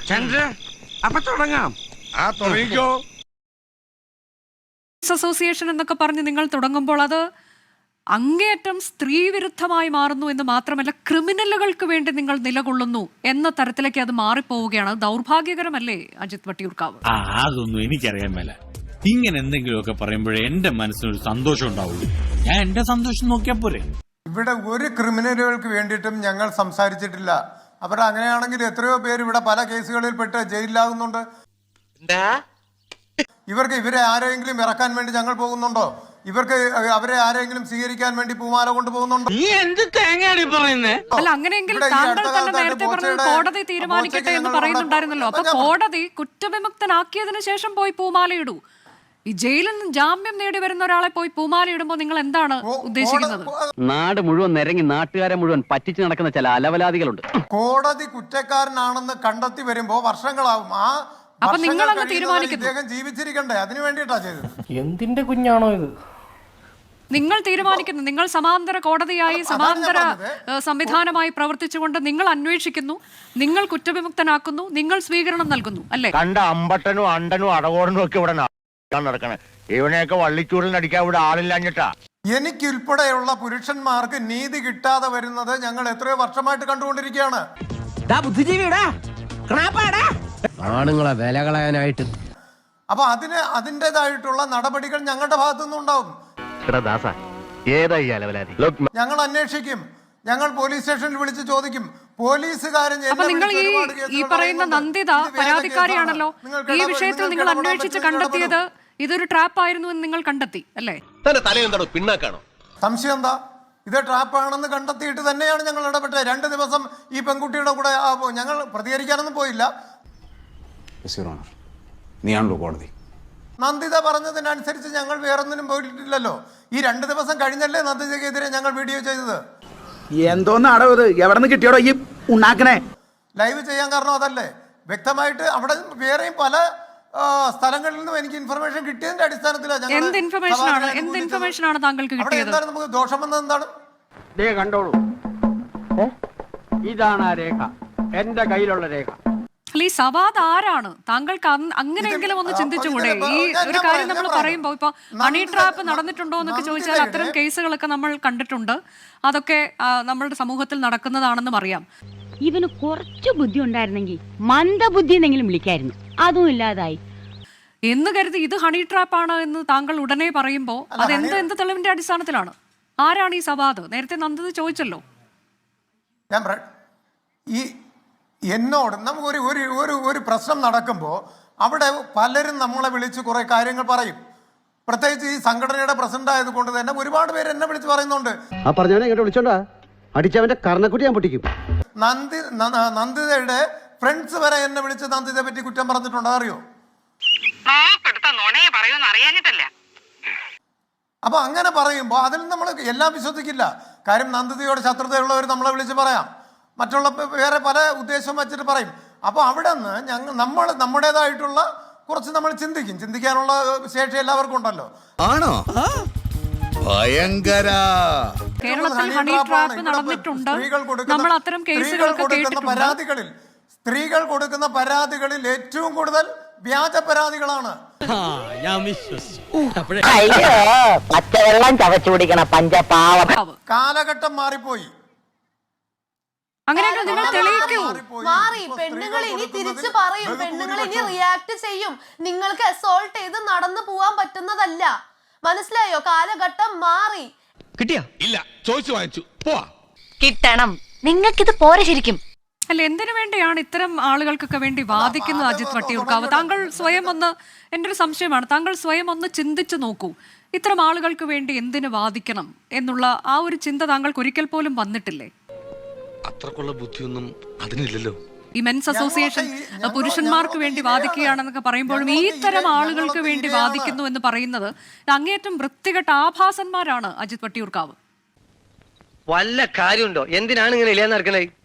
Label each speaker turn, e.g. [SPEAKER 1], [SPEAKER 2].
[SPEAKER 1] അപ്പൊ തുടങ്ങാം.
[SPEAKER 2] തുടങ്ങിക്കോ.
[SPEAKER 3] അസോസിയേഷൻ എന്നൊക്കെ പറഞ്ഞ് നിങ്ങൾ തുടങ്ങുമ്പോൾ അത് അങ്ങേയറ്റം സ്ത്രീവിരുദ്ധമായി മാറുന്നു എന്ന് മാത്രമല്ല, ക്രിമിനലുകൾക്ക് വേണ്ടി നിങ്ങൾ നിലകൊള്ളുന്നു എന്ന തരത്തിലേക്ക് അത് മാറിപ്പോവുകയാണ്. ദൗർഭാഗ്യകരമല്ലേ അജിത് വട്ടിയൂർക്കാവ്?
[SPEAKER 4] അതൊന്നും എനിക്കറിയാൻ മേല. ഇങ്ങനെ എന്തെങ്കിലുമൊക്കെ പറയുമ്പോഴേ എന്റെ മനസ്സിനൊരു സന്തോഷം ഉണ്ടാവുള്ളൂ. ഞാൻ എന്റെ സന്തോഷം നോക്കിയാ പോരെ.
[SPEAKER 5] ഇവിടെ ഒരു ക്രിമിനലുകൾക്ക് വേണ്ടിയിട്ടും ഞങ്ങൾ സംസാരിച്ചിട്ടില്ല. അവർ അങ്ങനെയാണെങ്കിൽ എത്രയോ പേര് ഇവിടെ പല കേസുകളിൽ പെട്ട് ജയിലിലാകുന്നുണ്ട്. ഇവരെ ആരെങ്കിലും ഇറക്കാൻ വേണ്ടി ഞങ്ങൾ പോകുന്നുണ്ടോ? അവരെ ആരെങ്കിലും സ്വീകരിക്കാൻ വേണ്ടി പൂമാല കൊണ്ടുപോകുന്നുണ്ടോ?
[SPEAKER 3] അല്ല, അങ്ങനെയെങ്കിൽ താങ്കൾ തന്നെ നേരത്തെ പറഞ്ഞത് കോടതി തീരുമാനിക്കട്ടെ എന്ന് പറയുന്നുണ്ടായിരുന്നല്ലോ. അപ്പൊ കോടതി കുറ്റവിമുക്തനാക്കിയതിനു ശേഷം പോയി പൂമാലയിടൂ. ഈ ജയിലിൽ നിന്ന് ജാമ്യം നേടി വരുന്ന ഒരാളെ പോയി പൂമാലയിടുമ്പോൾ നിങ്ങൾ എന്താണ് ഉദ്ദേശിക്കുന്നത്?
[SPEAKER 6] നാട് മുഴുവൻ നിരങ്ങി നാട്ടുകാരെ മുഴുവൻ പറ്റിച്ചു നടക്കുന്ന ചില അലവലാദികളുണ്ട്.
[SPEAKER 5] കോടതി കുറ്റക്കാരനാണെന്ന് കണ്ടെത്തി വരുമ്പോ വർഷങ്ങളാവും.
[SPEAKER 3] അപ്പൊ നിങ്ങളങ്ങ് തീരുമാനിക്കുന്നു.
[SPEAKER 5] ഇദ്ദേഹം ജീവിച്ചിരിക്കണ്ടേ? അതിനു വേണ്ടിയിട്ടാ ചെയ്തത്.
[SPEAKER 7] എന്തിന്റെ കുഞ്ഞാണോ ഇത്?
[SPEAKER 3] നിങ്ങൾ തീരുമാനിക്കുന്നു. നിങ്ങൾ സമാന്തര കോടതിയായി സമാന്തര സംവിധാനമായി പ്രവർത്തിച്ചുകൊണ്ട് നിങ്ങൾ അന്വേഷിക്കുന്നു, നിങ്ങൾ കുറ്റവിമുക്തനാക്കുന്നു, നിങ്ങൾ സ്വീകരണം നൽകുന്നു, അല്ലേ?
[SPEAKER 8] കണ്ട അമ്പട്ടനും അണ്ടനും അടകോടനും ഒക്കെ ഇവിടെ നടക്കണേ. ഇവനെയൊക്കെ വള്ളിച്ചൂടിൽ അടിക്കാൻ ഇവിടെ ആളില്ലാഞ്ഞിട്ടാ.
[SPEAKER 5] എനിക്കുൾപ്പെടെയുള്ള പുരുഷന്മാർക്ക് നീതി കിട്ടാതെ വരുന്നത് ഞങ്ങൾ എത്രയോ വർഷമായിട്ട് കണ്ടുകൊണ്ടിരിക്കുകയാണ്.
[SPEAKER 7] ആണുങ്ങളെ വില കളയാനായിട്ട്.
[SPEAKER 5] അപ്പൊ അതിൻ്റെതായിട്ടുള്ള നടപടികൾ ഞങ്ങളുടെ ഭാഗത്തുനിന്നും ഉണ്ടാവും. ഞങ്ങൾ അന്വേഷിക്കും. ഞങ്ങൾ പോലീസ് സ്റ്റേഷനിൽ വിളിച്ച് ചോദിക്കും. പോലീസുകാരൻ
[SPEAKER 3] അപ്പൊ നിങ്ങൾ ഈ പറയുന്ന നന്ദിത പരാതിക്കാരിയാണല്ലോ. ഈ വിഷയത്തിൽ നിങ്ങൾ അന്വേഷിച്ച് കണ്ടെത്തിയത് ഇതൊരു ട്രാപ്പ് ആയിരുന്നു എന്ന് നിങ്ങൾ കണ്ടെത്തി, അല്ലേ?
[SPEAKER 5] സംശയം എന്താ? ഇത് ട്രാപ്പാണെന്ന് കണ്ടെത്തിയിട്ട് തന്നെയാണ് ഞങ്ങൾ ഇടപെട്ടത്. 2 ദിവസം ഈ പെൺകുട്ടിയുടെ കൂടെ ഞങ്ങൾ പ്രതികരിക്കാനൊന്നും പോയില്ല.
[SPEAKER 9] നീയാണല്ലോ കോടതി.
[SPEAKER 5] നന്ദിത പറഞ്ഞതിനനുസരിച്ച് ഞങ്ങൾ വേറൊന്നിനും പോയിട്ടില്ലല്ലോ. ഈ 2 ദിവസം കഴിഞ്ഞല്ലേ നന്ദിതയ്ക്കെതിരെ ഞങ്ങൾ വീഡിയോ ചെയ്തത്.
[SPEAKER 9] എന്തോന്നാടോ ഇത്? എവിടെ നിന്ന് കിട്ടിയോടോ ഈ ഉണ്ടാക്കണേ?
[SPEAKER 5] ലൈവ് ചെയ്യാൻ കാരണം അതല്ലേ? വ്യക്തമായിട്ട് അവിടെ വേറെയും പല സ്ഥലങ്ങളിൽ നിന്നും എനിക്ക് ഇൻഫർമേഷൻ കിട്ടിയതിന്റെ അടിസ്ഥാനത്തിലാണ്.
[SPEAKER 3] എന്ത് ഇൻഫർമേഷൻ ആണ് താങ്കൾക്ക് കിട്ടിയത്?
[SPEAKER 5] എന്താണ് നമുക്ക് ദോഷം വന്നത്? എന്താണ്?
[SPEAKER 6] കണ്ടോളൂ, ഇതാണ് ആ രേഖ, എന്റെ കയ്യിലുള്ള രേഖ.
[SPEAKER 3] ഈ സവാദ് ആരാണ്? താങ്കൾക്ക് അങ്ങനെയെങ്കിലും ഒന്ന് ചിന്തിച്ചുകൂടെ? ഈ ഒരു കാര്യം നമ്മൾ പറയുമ്പോ ഇപ്പൊ ഹണി ട്രാപ്പ് നടന്നിട്ടുണ്ടോ എന്നൊക്കെ ചോദിച്ചാൽ അത്തരം കേസുകളൊക്കെ നമ്മൾ കണ്ടിട്ടുണ്ട്. അതൊക്കെ നമ്മളുടെ സമൂഹത്തിൽ നടക്കുന്നതാണെന്നും അറിയാം.
[SPEAKER 10] ഇവന് കുറച്ച് ബുദ്ധി ഉണ്ടായിരുന്നെങ്കിൽ മന്ദബുദ്ധി എന്നെങ്കിലും വിളിക്കായിരുന്നു. അതും ഇല്ലാതായി
[SPEAKER 3] എന്ന് കരുതി ഇത് ഹണി ട്രാപ്പാണ് എന്ന് താങ്കൾ ഉടനെ പറയുമ്പോ അത് എന്ത് തെളിവിന്റെ അടിസ്ഥാനത്തിലാണ്? ആരാണ് ഈ സവാദ്? നേരത്തെ നന്ദത് ചോദിച്ചല്ലോ.
[SPEAKER 5] എന്നോട് നമുക്ക് ഒരു പ്രശ്നം നടക്കുമ്പോൾ അവിടെ പലരും നമ്മളെ വിളിച്ച് കുറെ കാര്യങ്ങൾ പറയും. പ്രത്യേകിച്ച് ഈ സംഘടനയുടെ പ്രസിഡന്റ് ആയതുകൊണ്ട് തന്നെ ഒരുപാട് പേര് എന്നെ വിളിച്ച് പറയുന്നുണ്ട്.
[SPEAKER 6] ആ പറഞ്ഞവനെ ഇങ്ങോട്ട് വിളിച്ചോണ്ടാ അടിച്ചവന്റെ കർണക്കുട്ടി ഞാൻ പൊട്ടിക്കും.
[SPEAKER 5] നന്ദിതയുടെ ഫ്രണ്ട്സ് വരെ എന്നെ വിളിച്ച് നന്ദിതയെ പറ്റി കുറ്റം പറഞ്ഞിട്ടുണ്ട്. അറിയോ? അപ്പൊ അങ്ങനെ പറയുമ്പോ അതിൽ നമ്മൾ എല്ലാം വിശ്വസിക്കില്ല. കാര്യം നന്ദിതയോട് ശത്രുതയുള്ളവർ നമ്മളെ വിളിച്ച് പറയാം, മറ്റുള്ള വേറെ പല ഉദ്ദേശം വെച്ചിട്ട് പറയും. അപ്പൊ അവിടെ നിന്ന് നമ്മുടേതായിട്ടുള്ള കുറച്ച് നമ്മൾ ചിന്തിക്കാനുള്ള ശേഷി എല്ലാവർക്കും ഉണ്ടല്ലോ.
[SPEAKER 2] ആണോ? ഭയങ്കര.
[SPEAKER 3] കേരളത്തിൽ ഹണി ട്രാപ്പ് നടന്നിട്ടുണ്ട്. നമ്മൾ അത്തരം കേസുകളൊക്കെ കേട്ടിട്ടുണ്ട്.
[SPEAKER 5] സ്ത്രീകൾ കൊടുക്കുന്ന പരാതികളിൽ ഏറ്റവും കൂടുതൽ വ്യാജ പരാതികളാണ്. കാലഘട്ടം മാറിപ്പോയി.
[SPEAKER 3] അങ്ങനെയൊക്കെ നിങ്ങൾ തെളിയിക്കൂ.
[SPEAKER 11] മാറി. പെണ്ണുങ്ങൾ ഇനി തിരിച്ചു പറയും. പെണ്ണുങ്ങൾ ഇനി റിയാക്ട് ചെയ്യും. നിങ്ങൾക്ക് അസോൾട്ട് ചെയ്ത് നടന്നു പോവാൻ പറ്റുന്നതല്ല. മനസ്സിലായോ? കാലഘട്ടം മാറി.
[SPEAKER 2] കിട്ടിയാ? ഇല്ല, ചോദിച്ചു വാങ്ങിച്ചു. പോവാ.
[SPEAKER 10] കിട്ടണം. നിങ്ങൾക്കിത് പോരെ ശരിക്കും.
[SPEAKER 3] അല്ല, എന്തിനു വേണ്ടിയാണ് ഇത്തരം ആളുകൾക്കൊക്കെ വേണ്ടി വാദിക്കുന്നത് അജിത് വട്ടിയൂർക്കാവ്? താങ്കൾ സ്വയം ഒന്ന്, എൻ്റെ ഒരു സംശയമാണ്, താങ്കൾ സ്വയം ഒന്ന് ചിന്തിച്ചു നോക്കൂ. ഇത്തരം ആളുകൾക്ക് വേണ്ടി എന്തിനു വാദിക്കണം എന്നുള്ള ആ ഒരു ചിന്ത താങ്കൾക്ക് ഒരിക്കൽ പോലും വന്നിട്ടില്ലേ?
[SPEAKER 2] അത്രക്കുള്ള ബുദ്ധിയൊന്നും അതിനില്ലല്ലോ.
[SPEAKER 3] ഈ മെൻസ് അസോസിയേഷൻ പുരുഷന്മാർക്ക് വേണ്ടി വാദിക്കുകയാണെന്നൊക്കെ പറയുമ്പോഴും ഈ തരം ആളുകൾക്ക് വേണ്ടി വാദിക്കുന്നു എന്ന് പറയുന്നത് അങ്ങേയറ്റം വൃത്തികെട്ട ആഭാസന്മാരാണ് അജിത് വട്ടിയൂർക്കാവ്.
[SPEAKER 6] വല്ല കാര്യമുണ്ടോ? എന്തിനാണ് ഇങ്ങനെ ഇല്ലാന്ന് നടക്കണേ?